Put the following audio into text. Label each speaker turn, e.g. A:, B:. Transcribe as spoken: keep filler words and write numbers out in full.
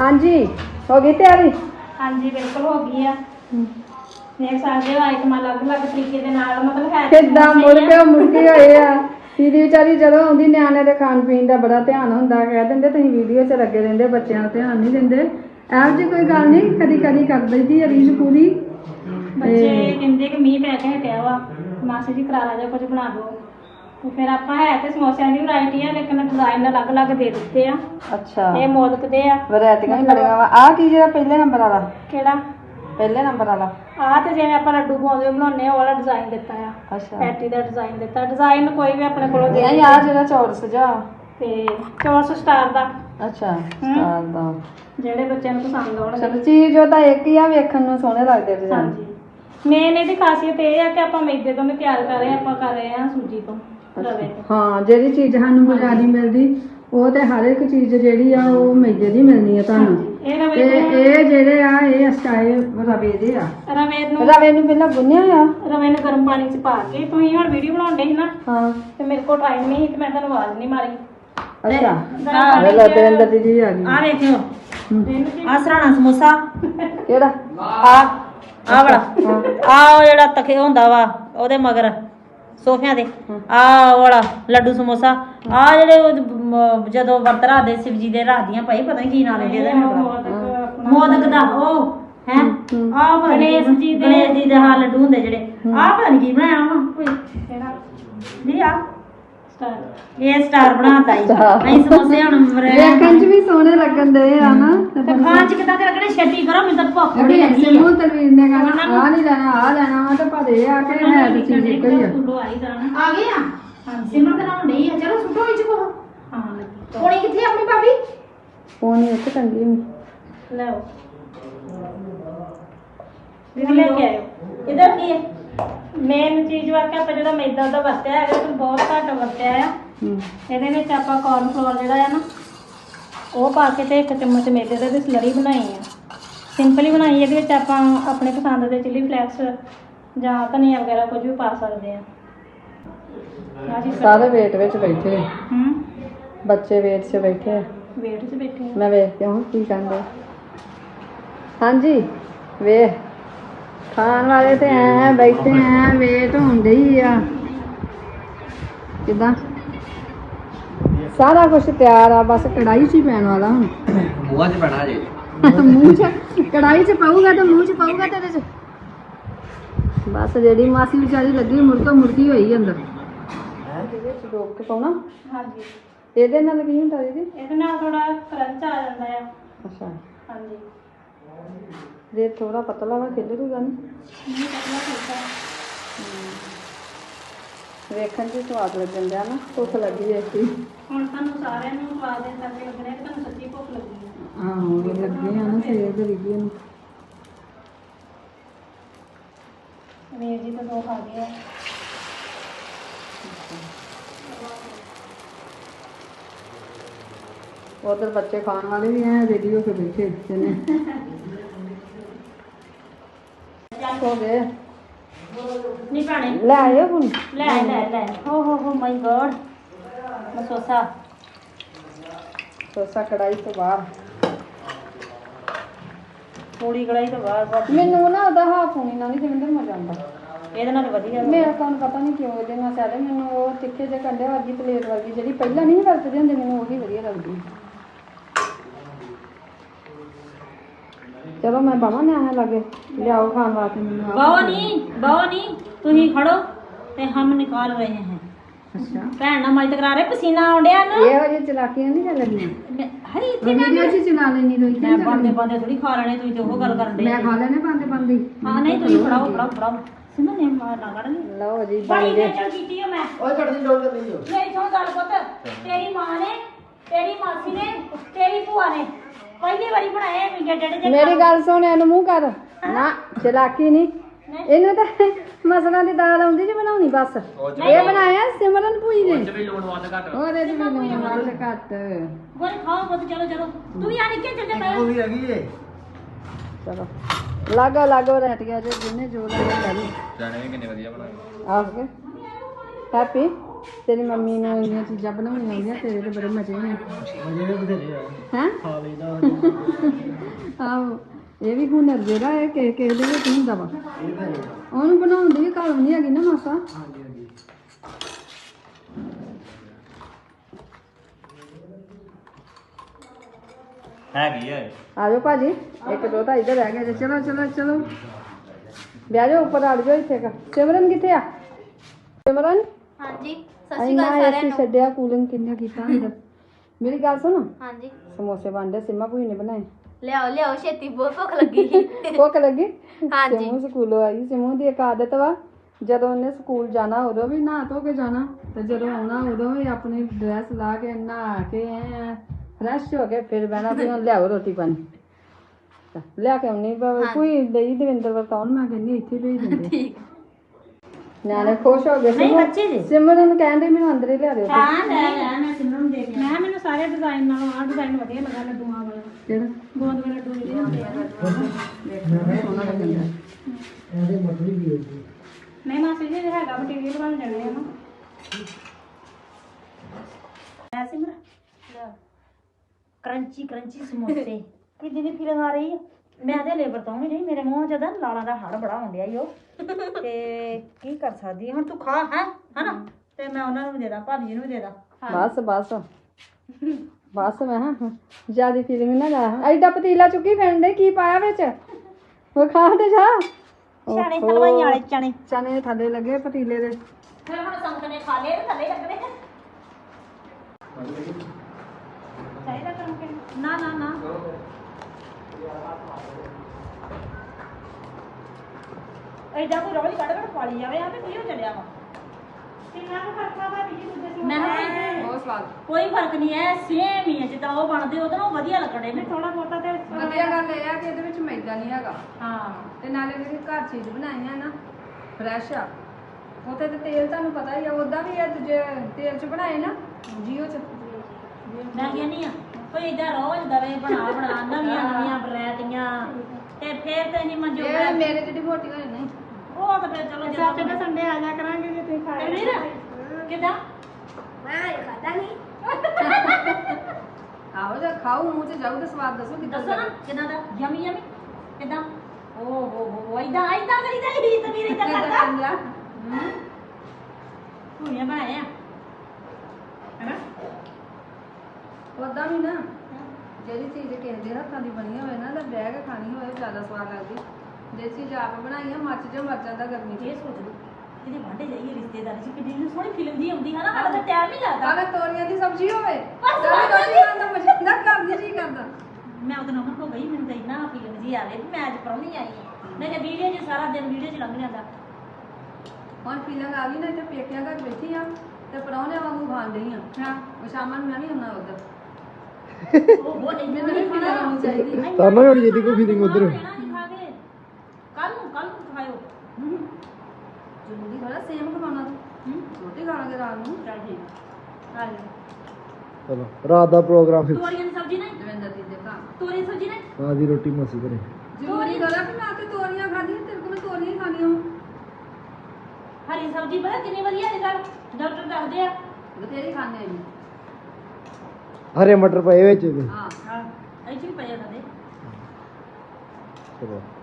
A: हाँ जी हो गई तैयारी?
B: हाँ जी बिल्कुल हो गई है। देख सकते हो आइटम अलग अलग तरीके दे नाल मतलब है
A: किदा मुड़ के मुड़के होए आ दीदी विचारी ਜਦੋਂ ਆਉਂਦੀ ਨਿਆਣੇ ਦੇ ਖਾਣ ਪੀਣ ਦਾ ਬੜਾ ਧਿਆਨ ਹੁੰਦਾ ਕਹਿ ਦਿੰਦੇ ਤੁਸੀਂ ਵੀਡੀਓ 'ਚ ਲੱਗੇ ਰਹਿੰਦੇ ਬੱਚਿਆਂ ਦਾ ਧਿਆਨ ਨਹੀਂ ਦਿੰਦੇ ਇਹੋ ਜਿਹੀ ਕੋਈ ਗੱਲ ਨਹੀਂ ਕਦੀ ਕਦੀ ਕਰ ਦਈਦੀ ਰੀਝ ਪੂਰੀ
B: ਬੱਚੇ ਕਹਿੰਦੇ ਕਿ ਮੀਂਹ ਪੈ ਕੇ ਹਟਿਆ ਵਾ ਮਾਸੀ ਜੀ ਕਰਾਰਾ ਜਿਹਾ ਕੁਝ ਬਣਾ ਦਿਓ तो फिर आप है तो समोसियां की वैरायटी है लेकिन डिजाइन अलग अलग दे दिते हैं।
A: अच्छा
B: ये मोदक दे आ
A: वैरायटियां ही बड़ियां वा आ की जेड़ा पहले नंबर वाला
B: केड़ा
A: पहले नंबर वाला
B: आ ते जिवें आप लड्डू पाउंदे बनाउने ओ वाला डिजाइन दिता है।
A: अच्छा
B: पैटी दा डिजाइन दिता डिजाइन कोई भी अपने कोलों दे
A: नहीं आ जेड़ा चौरस जा
B: ते चौरस स्टार दा
A: अच्छा स्टार दा
B: जेड़े बच्चों को पसंद होणगे
A: चलो चीज ओदा एक ही आ वेखण ਨੂੰ ਸੋਹਣੇ ਲੱਗਦੇ डिजाइन।
B: हां जी मेन ਇਹਦੀ ਖਾਸੀਅਤ ਇਹ ਆ ਕਿ ਆਪਾਂ ਮੈਦੇ ਤੋਂ ਨਹੀਂ ਤਿਆਰ ਕਰ ਰਹੇ ਆਪਾਂ ਕਰ ਰਹੇ ਹਾਂ ਸੂਜੀ ਤੋਂ।
A: ਹਾਂ ਜਿਹੜੀ ਚੀਜ਼ ਸਾਨੂੰ ਬਾਜ਼ਾਰੀ ਮਿਲਦੀ ਉਹ ਤੇ ਹਰ ਇੱਕ ਚੀਜ਼ ਜਿਹੜੀ ਆ ਉਹ ਮੈਦੇ ਦੀ ਮਿਲਣੀ ਆ ਤੁਹਾਨੂੰ
B: ਇਹ ਰਵੇ
A: ਤੇ ਇਹ ਜਿਹੜੇ ਆ ਇਹ ਸਟਾਈ ਰਵੇ ਦੇ ਆ
B: ਰਵੇ ਨੂੰ
A: ਰਵੇ ਨੂੰ ਪਹਿਲਾਂ ਗੁੰਨਿਆ ਆ
B: ਰਵੇ ਨੂੰ ਗਰਮ ਪਾਣੀ ਚ ਪਾ ਕੇ ਤੁਸੀਂ ਹੁਣ ਵੀਡੀਓ ਬਣਾਉਂਦੇ ਸੀ ਨਾ
A: ਹਾਂ
B: ਤੇ ਮੇਰੇ ਕੋਲ ਟਾਈਮ ਨਹੀਂ ਸੀ ਤੇ ਮੈਂ ਤੁਹਾਨੂੰ ਆਵਾਜ਼ ਨਹੀਂ ਮਾਰੀ।
A: ਅੱਛਾ ਇਹ ਲੈ ਤੇਰੇ ਅੰਦਰ ਦੀਦੀ ਆ ਗਈ
C: ਆ ਵੇਖਿਓ ਆ ਸਰਾਣਾ ਸਮੋਸਾ
A: ਕਿਹੜਾ
C: ਆ ਆ ਵਾਲਾ ਆ ਉਹ ਜਿਹੜਾ ਤਖੇ ਹੁੰਦਾ ਵਾ ਉਹਦੇ ਮਗਰ ਸੋਫਿਆਂ ਦੇ ਆ ਵਾਲਾ ਲੱਡੂ ਸਮੋਸਾ ਆ ਜਿਹੜੇ ਜਦੋਂ ਵਰਤ ਰੱਖਦੇ ਸ਼ਿਵਜੀ ਦੇ ਰੱਖਦੀਆਂ ਭਾਈ ਪਤਾ ਨਹੀਂ ਕੀ ਨਾਂ ਲੈਂਦੇ ਇਹਦਾ ਮੋਦਕ ਦਾ ਉਹ ਹੈ ਆ ਗਣੇਸ਼ ਜੀ ਦੇ ਗਣੇਸ਼ ਜੀ ਦੇ ਹਾਂ ਲੱਡੂ ਹੁੰਦੇ ਜਿਹੜੇ ਆ ਪਤਾ ਨਹੀਂ ਕੀ ਬਣਾਇਆ ਵਾ ਕੋਈ
B: ਕਿਹੜਾ
C: ਨਹੀਂ ਆ
B: ਸਟਾਰ
C: ਇਹ ਸਟਾਰ ਬਣਾਤਾ ਹੀ ਅਸੀਂ ਸਮੋਸੇ ਹੁਣ
A: ਵੇਖਣ ਚ ਵੀ ਸੋਹਣੇ ਲੱਗਣ ਦੇ ਆ ਨਾ
C: ਤੇ ਖਾਣ ਚ ਕਿਦਾਂ ਤੇ ਲੱਗਣੇ ਛੇਤੀ ਕਰੋ ਮੈਨੂੰ ਤਾਂ ਭੁੱਖ ਬੜੀ ਲੱਗੀ ਹੈ।
A: ਸਿਮੂ ਤਲਵੀਰ ਨੇ ਕਹਿਣਾ ਆ ਨਹੀਂ ਲੈਣਾ ਆ ਲੈਣਾ ਵਾ ਤੇ ਪਰ ਇਹ ਆ ਕਿ ਹੈ ਤੇ ਚੀਜ਼ ਇੱਕ ਹੀ ਆ
B: ਸਕੂਲੋਂ ਆਈ ਜਾਣਾ
C: ਆ ਗਏ ਆ ਹਾਂਜੀ ਸਿਮਰ ਨਾਲ ਨਹੀਂ ਆ ਚਲੋ ਸੁੱਟੋ ਵਿੱਚ ਕੋ
B: ਹਾਂ ਲੱਗੀ
C: ਕੋਣੀ ਕਿੱਥੇ ਆਪਣੀ ਭਾਬੀ
A: ਪੋਣੀ ਇੱਕ ਟੰਗੀ ਨੂੰ
B: ਲਓ ਦੀਦੀ ਲੈ ਕੇ ਆਇਓ
C: ਇਧਰ ਕੀ ਹੈ
B: ਮੇਨ ਚੀਜ਼ ਵਾਕਿਆ ਆਪਾਂ ਜਿਹੜਾ ਮੈਦਾ ਦਾ ਵਰਤਿਆ ਹੈਗਾ ਤੇ ਬਹੁਤ ਘੱਟ ਵਰਤਿਆ ਆ ਇਹਦੇ ਵਿੱਚ ਆਪਾਂ ਕਾਰਨ ਫਲੋਰ ਜਿਹੜਾ ਹੈ ਨਾ ਉਹ ਪਾ ਕੇ ਤੇ ਇੱਕ ਚਮਚ ਮੈਦੇ ਦੇ ਵਿੱਚ ਸਲਰੀ ਬਣਾਈ ਆ ਸਿੰਪਲੀ ਬਣਾਈ ਇਹਦੇ ਵਿੱਚ ਆਪਾਂ ਆਪਣੇ ਪਸੰਦ ਦੇ ਚਿੱਲੀ ਫਲੈਕਸ ਜਾਂ ਧਨੀਆ ਵਗੈਰਾ ਕੁਝ ਵੀ ਪਾ ਸਕਦੇ ਆ
A: ਸਾਰੇ ਵੇਟ ਵਿੱਚ ਬੈਠੇ
B: ਹੂੰ
A: ਬੱਚੇ ਵੇਟ 'ਚ ਬੈਠੇ ਆ
B: ਵੇਟ 'ਚ ਬੈਠੇ ਆ
A: ਮੈਂ ਵੇਖ ਕੇ ਹੁਣ ਕੀ ਕਹਿੰਦੇ ਹਾਂਜੀ ਵੇਖ ਖਾਣ ਵਾਲੇ ਤੇ ਐ ਬੈਠੇ ਐ ਵੇਟ ਹੁੰਦੇ ਹੀ ਆ ਕਿਦਾਂ ਸਾਰਾ ਕੁਝ ਤਿਆਰ ਆ ਬਸ ਕੜਾਈ 'ਚ ਹੀ ਪੈਣ ਵਾਲਾ ਹੁਣ
D: ਮੂੰਹਾਂ 'ਚ ਪੈਣਾ ਜੇ
A: ਮੂੰਹ 'ਚ ਕੜਾਈ 'ਚ ਪਾਊਗਾ ਤਾਂ ਮੂੰਹ 'ਚ ਪਾਊਗਾ ਤੇਰੇ 'ਚ ਬਸ ਜਿਹੜੀ ਮਾਸੀ ਵਿਚਾਰੀ ਲੱਗੀ ਮੁਰਕਾ ਮੁਰਕੀ ਹੋਈ ਅੰਦਰ ਇਹਦੇ ਵਿੱਚ ਡੋਬ ਕੇ ਪਾਉਣਾ
B: ਹਾਂਜੀ
A: ਇਹਦੇ ਨਾਲ ਕੀ ਹੁੰਦਾ ਦੀਦੀ
B: ਇਹਦੇ ਨਾਲ ਥੋੜਾ ਕਰੰਚ ਆ ਜਾਂਦਾ ਆ
A: ਅੱਛਾ
B: ਹਾਂਜੀ
A: ਜੇ ਥੋੜਾ ਪਤਲਾ ਵਾ ਖਿਲਰੂਗਾ ਨਹੀਂ
B: ਨਹੀਂ ਪਤਲਾ ਠੀਕ ਆ
A: ਵੇਖਣ 'ਚ ਸਵਾਦ ਲੱਗਣ ਡਿਆ ਨਾ ਭੁੱਖ ਲੱਗੀ ਐ ਸੀ
B: ਹੁਣ ਤੁਹਾਨੂੰ ਸਾਰਿਆਂ ਨੂੰ ਸਵਾਦ ਦੇ ਕਰਕੇ ਲੱਗ ਰਿਹਾ ਕਿ ਤੁਹਾਨੂੰ ਸੱਚੀ ਭੁੱਖ ਲੱਗੀ ਹੈ
A: ਆਹੋ ਲੱਗੇ ਆ ਨਾ ਸਵੇਰ ਦੇ ਲੱਗੇ ਨੂੰ
B: ਵੀਰ ਜੀ ਤਾਂ ਦੋ ਖਾ ਗਏ ਆ
A: ਉਧਰ ਬੱਚੇ ਖਾਣ ਵਾਲੇ ਵੀ ਐ ਰੈਡੀ ਹੋ ਕੇ ਬੈਠੇ ਨੇ ਹੋ ਗਏ
C: ਨਹੀਂ ਪਾਣੇ
A: ਲੈ ਆਇਓ ਹੁਣ
C: ਲੈ ਲੈ ਲੈ ਹੋ ਹੋ ਹੋ ਮਾਈ ਗॉड ਮਸੋਸਾ
A: ਸੋਸਾ ਕੜਾਈ ਤੋਂ ਬਾਹਰ
C: ਪੂਰੀ ਕੜਾਈ ਤੋਂ ਬਾਹਰ ਬਸ
A: ਮੈਨੂੰ ਨਾ ਉਹਦਾ ਹਾਫ ਹੋਣੀ ਨਾਲ ਨਹੀਂ ਜਿਵੇਂ ਮਜ਼ਾ ਆਉਂਦਾ
C: ਇਹਦੇ ਨਾਲ ਵਧੀਆ
A: ਮੇਰਾ ਤੁਹਾਨੂੰ ਪਤਾ ਨਹੀਂ ਕਿਉਂ ਇਹਦੇ ਨਾਲ ਸਾਰੇ ਮੈਨੂੰ ਉਹ ਤਿੱਖੇ ਜਿਹੇ ਕੰਡੇ ਵਰਗੀ ਪਲੇਟ ਵਰਗੀ ਜਿਹੜੀ ਪਹਿਲਾਂ ਨਹੀਂ ਵਰਤਦੇ ਹੁੰਦੇ ਮੈਨੂੰ ਉਹੀ ਵਧੀਆ ਲੱਗਦੀ ਚਲੋ ਮੈਂ ਬਾਵਾ ਨਿਆਣਾ ਲੱਗੇ ਲਿਆਓ ਖਾਣ ਵਾਸਤੇ ਮੈਨੂੰ
C: ਬਾਓ ਨਹੀਂ ਬਾਓ ਨਹੀਂ ਤੁਸੀਂ ਖੜੋ ਤੇ ਹਮ ਨਿਕਾਲ ਰਹੇ ਹਾਂ
A: ਅੱਛਾ
C: ਭੈਣ ਨਾਲ ਮਾਈ ਤਕਰਾ ਰਹੇ ਪਸੀਨਾ ਆਉਂਦਿਆ ਨਾ
A: ਇਹ ਵਾਲੀ ਚਲਾਕੀਆਂ ਨਹੀਂ ਚੱਲਣੀਆਂ
C: ਹਰੀ ਇੱਥੇ ਮੈਂ
A: ਵੀਡੀਓ 'ਚ ਚਲਾ ਲੈਣੀ ਤੁਸੀਂ
C: ਮੈਂ ਬੰਦੇ ਬੰਦੇ ਥੋੜੀ ਖਾ ਲੈਣੇ ਤੁਸੀਂ ਤੇ ਉਹ ਗੱਲ ਕਰਨ ਦੇ
A: ਮੈਂ ਖਾ ਲੈਣੇ ਬੰਦੇ ਬੰਦੇ
C: ਹਾਂ ਨਹੀਂ ਤੁਸੀਂ ਫੜਾਓ ਫੜਾਓ ਫੜਾਓ ਸਿਮਾ ਨੇ ਮਾਰ ਨਾ ਕੱਢ ਲਈ
A: ਲਓ ਜੀ
C: ਬੜੀ
A: ਬਣ ਗਏ
C: ਨੇਚਰ ਕੀਤੀ ਹੋ ਮੈਂ
D: ਓਏ ਕੱਢਦੀ ਲੋੜ ਕਰਨੀ ਜੋ
C: ਮੇਰੀ ਸੁਣ ਗੱਲ ਪੁੱਤ ਤੇਰੀ ਮਾਂ ਨੇ ਤੇਰੀ ਮਾਸੀ ਨੇ ਤੇਰੀ ਭੂਆ ਨੇ ਪਹਿਲੀ ਵਾਰੀ ਬਣਾਏ ਵੀ ਜਿਹੜੇ ਜਿਹੜੇ
A: ਮੇਰੀ ਗੱਲ ਸੁਣ ਇਹਨੂੰ ਮੂੰਹ ਕਰ ਨਾ ਚਲਾਕੀ ਨਹੀਂ ਇਹਨੂੰ ਤਾਂ ਮਸਲਾਂ ਦੀ ਦਾਲ ਆਉਂਦੀ ਜੀ ਬਣਾਉਣੀ ਬਸ ਇਹ ਬਣਾਇਆ ਸਿਮਰਨ ਭੂਈ ਨੇ
D: ਉਹਦੇ ਵੀ ਲੋੜ ਵੱਧ ਘੱਟ
A: ਉਹਦੇ ਚ ਵੀ ਲੂਣ ਵੱਧ ਘੱਟ
C: ਗੋਰੇ ਖਾਓ ਪੁੱਤ ਚਲੋ ਚਲੋ ਤੂੰ ਵੀ ਆ ਨਿੱਕੇ ਚੱਲ ਜਾ
D: ਉਹ ਵੀ ਹੈਗੀ ਏ
A: ਚਲੋ ਲਾਗੋ ਲਾਗੋ ਰਹਿ ਗਿਆ ਜੇ ਜਿੰਨੇ ਜੋ ਲੱਗਿਆ ਕਰੀ
D: ਜਾਣੇ ਵੀ ਕਿੰਨੇ ਵਧੀਆ ਬਣਾਏ
A: ਆਹ ਕੇ ਹੈਪੀ ਤੇਰੀ ਮੰਮੀ ਨੂੰ ਇੰਨੀਆਂ ਚੀਜ਼ਾਂ ਬਣਾਉਣੀਆਂ ਆਉਂਦੀਆਂ, ਤੇਰੇ ਤੇ ਬੜੇ ਮਜ਼ੇ ਨੇ
D: ਮਜੇ ਵੀ ਬਥੇਰੇ ਆ
A: ਹੈਂ
D: ਖਾ ਲਈਦਾ
A: ਆਹੋ ਇਹ ਵੀ ਹੁਨਰ ਜਿਹੜਾ ਹੈ ਕਿ ਕਿਸੇ ਦੇ ਵਿੱਚ ਹੁੰਦਾ ਵਾ
D: ਇਹ ਤਾਂ ਨਹੀਂ
A: ਉਹਨੂੰ ਬਣਾਉਣ ਦੀ ਵੀ ਕਾਲਮ ਨਹੀਂ ਹੈਗੀ ਨਾ ਮਾਸਾ।
D: ਹਾਂਜੀ ਹਾਂਜੀ ਹੈਗੀ ਹੈ
A: ਆ ਜਾਓ ਭਾਜੀ, ਇੱਕ ਦੋ ਤਾਂ ਇੱਧਰ ਰਹਿ ਗਏ ਜੇ। ਚਲੋ ਚਲੋ ਚਲੋ ਬਹਿ ਜਾਓ, ਉੱਪਰ ਆ ਜਾਓ ਇੱਥੇ ਕਾ। ਸਿਮਰਨ ਕਿੱਥੇ ਆ? ਸਿਮਰਨ
E: ਹਾਂਜੀ ਸਤਿ ਸ਼੍ਰੀ
A: ਇੰਨਾ
E: ਅਕਾਲ ਸਾਰਿਆਂ
A: ਏਸੀ
E: ਨੂੰ।
A: ਛੱਡਿਆ, ਕੂਲਿੰਗ ਕਿੰਨੇ ਕੀਤਾ ਅੰਦਰ। ਮੇਰੀ ਗੱਲ ਸੁਣ,
E: ਹਾਂਜੀ
A: ਸਮੋਸੇ ਬਣਦੇ ਸਿੰਮਾ ਭੂਈ ਨੇ ਬਣਾਏ।
E: ਲਿਆਓ ਲਿਆਓ ਛੇਤੀ, ਬਹੁਤ ਭੁੱਖ ਲੱਗੀ ਸੀ।
A: ਭੁੱਖ ਲੱਗੀ?
E: ਹਾਂਜੀ।
A: ਸਿਮੂ ਸਕੂਲੋਂ ਆਈ। ਸਿਮੂ ਦੀ ਇੱਕ ਆਦਤ ਵਾ, ਜਦੋਂ ਉਹਨੇ ਸਕੂਲ ਜਾਣਾ ਉਦੋਂ ਵੀ ਨਹਾ ਧੋ ਕੇ ਜਾਣਾ, ਤੇ ਜਦੋਂ ਆਉਣਾ ਉਦੋਂ ਵੀ ਆਪਣੀ ਡਰੈਸ ਲਾ ਕੇ ਨਹਾ ਕੇ ਐ ਫਰੈਸ਼ ਹੋ ਕੇ ਫਿਰ ਬਹਿਣਾ ਵੀ ਹੁਣ ਲਿਆਓ ਰੋਟੀ ਪਾਣੀ। ਲਿਆ ਕੇ ਆਉਣੀ ਕੋਈ ਲਈ ਦਵਿੰਦਰ ਵਰਤਾਉਣ, ਮੈਂ ਕਹਿੰਦੀ ਇੱਥੇ ਭੇਜ ਦਿੰਦੇ।
E: ਠੀਕ
A: ਨਿਆਣੇ ਖੁਸ਼ ਹੋ ਗਏ।
C: ਨਹੀਂ
A: ਸਿਮਰਨ-
C: ਬੱਚੇ ਜੀ
A: ਸਿਮਰਨ ਕਹਿੰਦੇ ਮੈਨੂੰ ਅੰਦਰ ਹੀ ਲਿਆ ਦਿਓ।
C: ਹਾਂ ਲੈ ਲੈ ਮੈਂ ਸਿਮਰਨ ਨੂੰ ਦੇ ਦਿਆਂ।
B: ਮੈਂ ਮੈਨੂੰ ਸਾਰੇ ਡਿਜ਼ਾਈਨ ਨਾਲੋਂ ਆਹ ਡਿਜ਼ਾਈਨ ਵਧੀਆ ਲੱਗਾ ਲੱਡੂਆਂ ਵਾਲਾ।
A: ਕਿਹੜਾ?
B: ਗੋਂਦ ਵਾਲੇ ਲੱਡੂ ਜਿਹੜੇ ਹੁੰਦੇ ਆ।
A: ਸੋਹਣਾ ਲੱਗਦਾ।
D: ਇਹਦੇ ਮਟਰੀ ਵੀ ਹੈ
B: ਨਹੀਂ ਮਾਸੀ ਜੀ ਇਹ ਹੈਗਾ ਮਟੀਰੀਅਲ ਬਣ ਜਾਣੇ ਆ ਨਾ।
C: ਐ ਸਿਮਰਨ ਕਰੰਚੀ ਕਰੰਚੀ ਸਮੋਸੇ ਕਿੰਨੀ ਦੀ ਫੀਲਿੰਗ ਆ ਰਹੀ ਹੈ? ਮੈਂ ਤੇ ਲੇਬਰ ਤੋਂ ਵੀ ਨਹੀਂ, ਮੇਰੇ ਮੂੰਹ ਜਦਾਂ ਲਾਲਾਂ ਦਾ ਹੜ ਬੜਾ ਹੁੰਦਿਆ ਈ ਉਹ। ਤੇ ਕੀ ਕਰ ਸਕਦੀ ਹਾਂ ਹੁਣ, ਤੂੰ ਖਾ ਹੈ ਹਨਾ, ਤੇ ਮੈਂ ਉਹਨਾਂ ਨੂੰ ਵੀ ਦੇ ਦਾਂ, ਭਾਬੀ ਜੀ ਨੂੰ ਵੀ ਦੇ ਦਾਂ।
A: ਬਸ ਬਸ ਬਸ ਮੈਂ ਹਾਂ ਜਿਆਦਾ ਫੀਲਿੰਗ ਨਾ ਲਾ। ਐਡਾ ਪਤੀਲਾ ਚੁੱਕੀ ਫਿਰਦੇ, ਕੀ ਪਾਇਆ ਵਿੱਚ? ਉਹ ਖਾ ਤੇ ਜਾ।
C: ਚਣੇ ਹਲਵਾਈਆਂ ਵਾਲੇ ਚਣੇ
A: ਚਨੇ ਥੱਲੇ ਲੱਗੇ ਪਤੀਲੇ ਦੇ।
C: ਫਿਰ ਹੁਣ ਸੰਤ ਨੇ ਖਾ ਲਏ ਤੇ ਥੱਲੇ ਲੱਗਣੇ।
B: ਚਾਹੀਦਾ ਕੰਮ ਕਿ
C: ਨਾ ਨਾ ਨਾ ਐਡਾ ਕੋਈ ਰੌਲੀ ਕੱਢ ਕੱਢ ਪਾਲੀ ਜਾਵੇ ਆ ਤੇ ਕੀ ਹੋ ਚੱਲਿਆ ਵਾ।
B: ਕਿੰਨਾ ਕੁ ਫਰਕ ਆ ਭਾਬੀ ਜੀ ਦੂਜੇ
C: ਮੈਂ
B: ਸਮੋਸੇ
C: ਕਿਹਾ
A: ਬਹੁਤ ਸਵਾਦ।
C: ਕੋਈ ਫਰਕ ਨਹੀਂ ਹੈ, ਸੇਮ ਹੀ ਹੈ ਜਿੱਦਾਂ ਉਹ ਬਣਦੇ ਉਹਦੇ ਨਾਲੋਂ ਵਧੀਆ ਲੱਗਣੇ ਨੇ।
B: ਥੋੜਾ ਬਹੁਤਾ ਤੇ
A: ਵਧੀਆ ਗੱਲ ਇਹ ਆ ਕਿ ਇਹਦੇ ਵਿੱਚ ਮੈਦਾ ਨਹੀਂ ਹੈਗਾ,
C: ਹਾਂ
A: ਤੇ ਨਾਲੇ ਜਿਹੜੀ ਘਰ ਚੀਜ਼ ਬਣਾਈ ਆ ਨਾ ਫਰੈਸ਼ ਆ। ਉੱਥੇ ਤੇ ਤੇਲ ਤੁਹਾਨੂੰ ਪਤਾ ਹੀ ਆ, ਉਦਾਂ ਵੀ ਇਹ ਦੂਜੇ ਤੇਲ 'ਚ ਬਣਾਏ ਨਾ ਜੀਓ 'ਚ।
C: ਮੈਂ ਕਹਿੰਦੀ ਆ ਕੋਈ ਏਦਾਂ ਰੋਜ਼ ਦਵੇ ਬਣਾ ਬਣਾ ਨਵੀਆਂ ਨਵੀਆਂ ਵੈਰਾਈਟੀਆਂ, ਤੇ ਫੇਰ ਤੇ ਨਹੀਂ ਮਨਜ਼ੂਰ
A: ਇਹ
C: ਹੈ।
A: ਮੇਰੇ ਜਿਹੜੀ ਮੋਟੀ ਹੋਈ ਨਹੀਂ।
C: ਉਹ ਤਾਂ ਫੇਰ ਚਲੋ
B: ਸੱਤ
C: ਜਦੋਂ
B: ਦੇ ਸੰਡੇ ਆ ਜਾ ਕਰਾਂਗੇ ਜੇ ਤੁਸੀਂ ਖਾਏ।
C: ਵੀਰ ਕਿੱਦਾਂ
E: ਮੈਂ ਖਾਦਾ ਨਹੀਂ।
A: ਆਹੋ ਜੇ ਖਾਓ ਮੂੰਹ 'ਚ ਜਾਊ ਤੇ ਸਵਾਦ ਦੱਸੋ ਕਿੱਦਾਂ
C: ਦੱਸੋ ਨਾ ਕਿੱਦਾਂ ਦਾ ਯਮੀ ਯਮੀ ਕਿੱਦਾਂ? ਓ ਹੋ ਹੋ ਏਦਾਂ ਏਦਾਂ ਕਰੀਦਾ ਹੀ ਤੇ ਵੀਰ ਏਦਾਂ ਕਰਦਾ। ਭੂਰੀਆਂ ਬਣਾਏ ਆ ਹੈਨਾ।
A: ਉਦਾਂ ਵੀ ਨਾ ਜਿਹੜੀ ਚੀਜ਼ ਕਿਸੇ ਦੇ ਹੱਥਾਂ ਦੀ ਬਣੀ ਹੋਵੇ ਨਾ, ਤਾਂ ਬਹਿ ਕੇ ਖਾਣੀ ਹੋਵੇ ਜ਼ਿਆਦਾ ਸਵਾਦ ਲੱਗਦੀ। ਜੇ ਚੀਜ਼ ਆਪ ਬਣਾਈ ਆ ਮੱਚ ਜਾ ਮਰ ਜਾਂਦਾ ਗਰਮੀ 'ਚ।
C: ਇਹ ਸੋਚ ਲਓ ਕਿਤੇ ਵਾਂਢੇ ਜਾਈਏ ਰਿਸ਼ਤੇਦਾਰੀ ਚ ਕਿੰਨੀ ਸੋਹਣੀ ਫਿਲਮ ਦੀ ਆਉਂਦੀ ਹੈ ਨਾ, ਸਾਡਾ ਤਾਂ ਟਾਈਮ ਨਹੀਂ ਲੱਗਦਾ।
A: ਅਗਰ ਤੋਰੀਆਂ ਦੀ ਸਬਜ਼ੀ ਹੋਵੇ
C: ਬਸ
A: ਤਾਂ ਵੀ ਰੋਟੀ ਖਾਣ ਦਾ ਮਜ਼ਾ ਆਉਂਦਾ, ਘਰ ਦੀ ਜੀ ਕਰਦਾ।
C: ਮੈਂ ਉਹਦੇ ਨਾਲ ਹੋ ਗਈ, ਮੈਨੂੰ ਤਾਂ ਇੰਨਾ ਫਿਲਮ ਜੀ ਆਵੇ ਵੀ ਮੈਂ ਅੱਜ ਪ੍ਰਾਹੁਣੀ ਆਈ ਹਾਂ। ਨਹੀਂ ਤੇ ਵੀਡੀਓ 'ਚ ਸਾਰਾ ਦਿਨ ਵੀਡੀਓ 'ਚ ਲੰਘ ਜਾਂਦਾ।
A: ਹੁਣ ਫੀਲਿੰਗ ਆ ਗਈ ਨਾ, ਇੱਥੇ ਪੇਕਿਆਂ ਘਰ ਬੈਠੀ ਆ ਤੇ ਪਰੌਣੇ ਵਾਂਗੂ ਖਾਣ ਡਈ ਆ।
C: ਹਾਂ
A: ਉਹ ਸ਼ਾਮਾਂ ਨੂੰ ਮੈਂ ਵੀ ਆਉਣਾ ਉੱਧਰ।
C: ਉਹ ਉਹ
A: ਮੈਨੂੰ
C: ਇੰਨਾ
A: ਵੀ
C: ਨਹੀਂ
A: feeling
C: ਖਾਣਾ
A: ਆਉਣੀ ਚਾਹੀਦੀ।
D: ਤੁਹਾਨੂੰ ਹੋਣੀ ਚਾਹੀਦੀ ਕੋਈ feeling ਉੱਧਰ।
C: ਕੱਲ ਨੂੰ ਕੱਲ ਨੂੰ ਖਾਇਓ।
A: ਜ਼ਰੂਰੀ ਥੋੜਾ ਸੇਮ ਖਵਾਉਣਾ ਤੂੰ। ਰੋਟੀ ਖਾਣਗੇ ਰਾਤ ਨੂੰ।
C: ਚੱਲ ਠੀਕ ਆ ਲੈ
D: ਚਲੋ ਰਾਤ ਦਾ ਪ੍ਰੋਗਰਾਮ ਫਿਰ
C: ਤੋਰੀਆਂ ਦੀ ਸਬਜ਼ੀ ਨਹੀਂ,
A: ਦਵਿੰਦਰ ਦੀ ਦੇ ਘਰ
C: ਤੋਰੀ ਦੀ ਸਬਜ਼ੀ ਨਹੀਂ।
D: ਰਾਤ ਦੀ ਰੋਟੀ ਮਸੀ ਕਰੇ।
A: ਜ਼ਰੂਰੀ ਥੋੜਾ ਕਿ ਮੈਂ ਤੇ ਤੋਰੀਆਂ ਖਾਧੀਆਂ, ਤੇਰੇ ਕੋਲ ਤੋਰੀਆਂ ਹੀ ਖਾਣੀਆਂ ਵਾ।
C: ਹਰੀ ਸਬਜ਼ੀ ਪਤਾ ਕਿੰਨੀ ਵਧੀਆ ਅੱਜ ਕੱਲ੍ਹ ਡਾਕਟਰ ਦੱਸਦੇ ਆ।
A: ਬਥੇਰੀ ਖਾਂਦੇ ਆ ਜੀ।
D: ਹਰੇ ਮਟਰ ਪਏ ਵਿੱਚ ਇਹਦੇ।
A: ਹਾਂ
C: ਹਾਂ ਇਹ ਚ ਵੀ ਪਏ ਉਹਨਾਂ ਦੇ।
D: ਚਲੋ